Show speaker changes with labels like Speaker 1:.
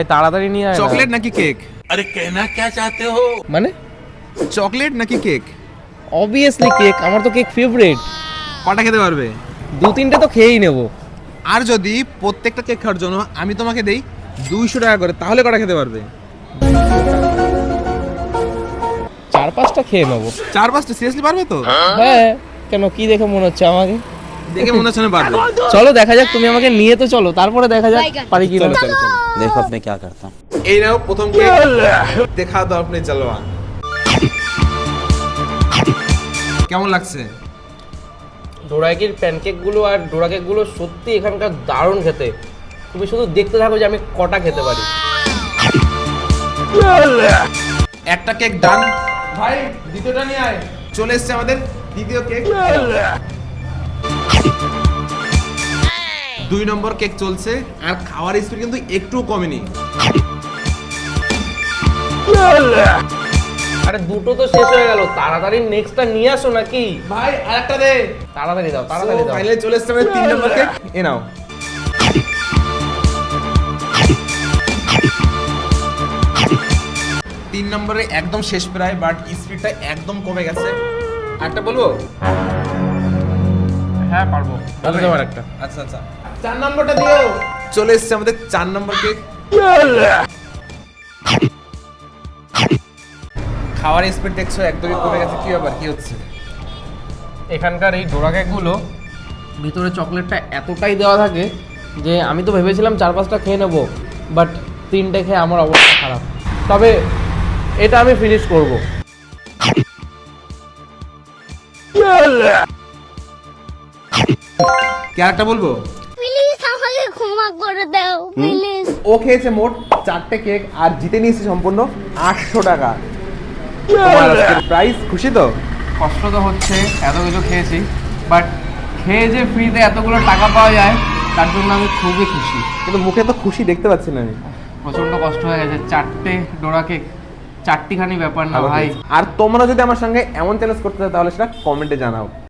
Speaker 1: তাড়াতাড়ি নিয়ে আয়।
Speaker 2: চকলেট নাকি কেক?
Speaker 3: अरे कहना क्या चाहते हो?
Speaker 1: মানে
Speaker 2: চকলেট নাকি কেক?
Speaker 1: অবভিয়াসলি কেক, আমার তো কেক ফেভারিট।
Speaker 2: কটা খেতে পারবে?
Speaker 1: 2-3টে তো খেয়েই নেবো।
Speaker 2: আর যদি প্রত্যেকটা কেক খাওয়ার জন্য আমি তোমাকে দেই 200 টাকা করে, তাহলে কটা খেতে পারবে?
Speaker 1: 4-5টা খেয়ে নেবো।
Speaker 2: 4-5টা সিরিয়াসলি পারবে তো?
Speaker 1: হ্যাঁ, কেন কি দেখে মনে হচ্ছে আমাকে?
Speaker 2: দেখে মনে হচ্ছে না পারবে।
Speaker 1: চলো দেখা যাক, তুমি আমাকে নিয়ে তো চলো, তারপরে দেখা যাক পারি কি না।
Speaker 2: চলো চলো চলো।
Speaker 3: देखो अब मैं क्या करता हूँ।
Speaker 2: এই নাও প্রথম কেক, দেখা দাও আপনি জলওয়া। কেমন লাগছে?
Speaker 1: ডোরাকের প্যানকেকগুলো আর ডোরাকেকগুলো সত্যি এখানকার দারুণ খেতে। তুমি শুধু দেখতে থাকো যে আমি কটা খেতে পারি।
Speaker 2: একটা কেক ডান। ভাই দ্বিতীয়টা নিয়ে আয়। চলে এসেছে আমাদের দ্বিতীয় কেক। 2 নম্বর কেক চলছে, আর খাওয়ার স্পিড কিন্তু একটু কমেনি।
Speaker 1: আরে দুটো তো শেষ হয়ে গেল, তাড়াতাড়ি নেক্সটটা নিয়ে আসো নাকি?
Speaker 2: ভাই আরেকটা দে।
Speaker 1: তাড়াতাড়ি দাও, তাড়াতাড়ি দাও।
Speaker 2: ফাইনালি চলে এসেছে আমাদের 3 নম্বর কেক। এ নাও। 3 নম্বরে একদম শেষ প্রায়, বাট স্পিডটা একদম কমে গেছে। আরেকটা বলবো?
Speaker 1: হ্যাঁ পারবো, বলে দাও আরেকটা।
Speaker 2: আচ্ছা আচ্ছা, 4 নম্বরটা দিও। চলে এসেছে আমাদের 4 নম্বর কেক। খাওয়ার স্পিড দেখছো একদমই কমে গেছে, কি ব্যাপার, কি হচ্ছে?
Speaker 1: এখানকার এই ডোরা কেকগুলো ভিতরে চকলেটটা এতটাই দেওয়া থাকে যে আমি তো ভেবেছিলাম 4-5টা খেয়ে নেবো, বাট 3টে খেয়ে আমার অবস্থা খারাপ। তবে এটা আমি ফিনিশ করব।
Speaker 2: কি আরেকটা বলবো?
Speaker 4: প্লিজ আমাকে ক্ষমা করে দাও প্লিজ।
Speaker 2: ও খেয়েছে মোট 4টে কেক আর জিতে নিয়েছে সম্পূর্ণ 800 টাকা। তোমার আজকের প্রাইস, খুশি তো?
Speaker 1: কষ্ট তো হচ্ছে, এত কিছু খেয়েছি, বাট খেয়ে যে ফ্রিতে এতগুলো টাকা পাওয়া যায় তার জন্য আমি খুবই খুশি।
Speaker 2: কিন্তু মুখে তো খুশি দেখতে পাচ্ছি না আমি।
Speaker 1: প্রচণ্ড কষ্ট হয়ে গেছে, 4টে ডোরা কেক, 4টিখানি ব্যাপার না ভাই।
Speaker 2: আর তোমরা যদি আমার সঙ্গে এমন চ্যালেঞ্জ করতে চাও তাহলে সেটা কমেন্টে জানাও।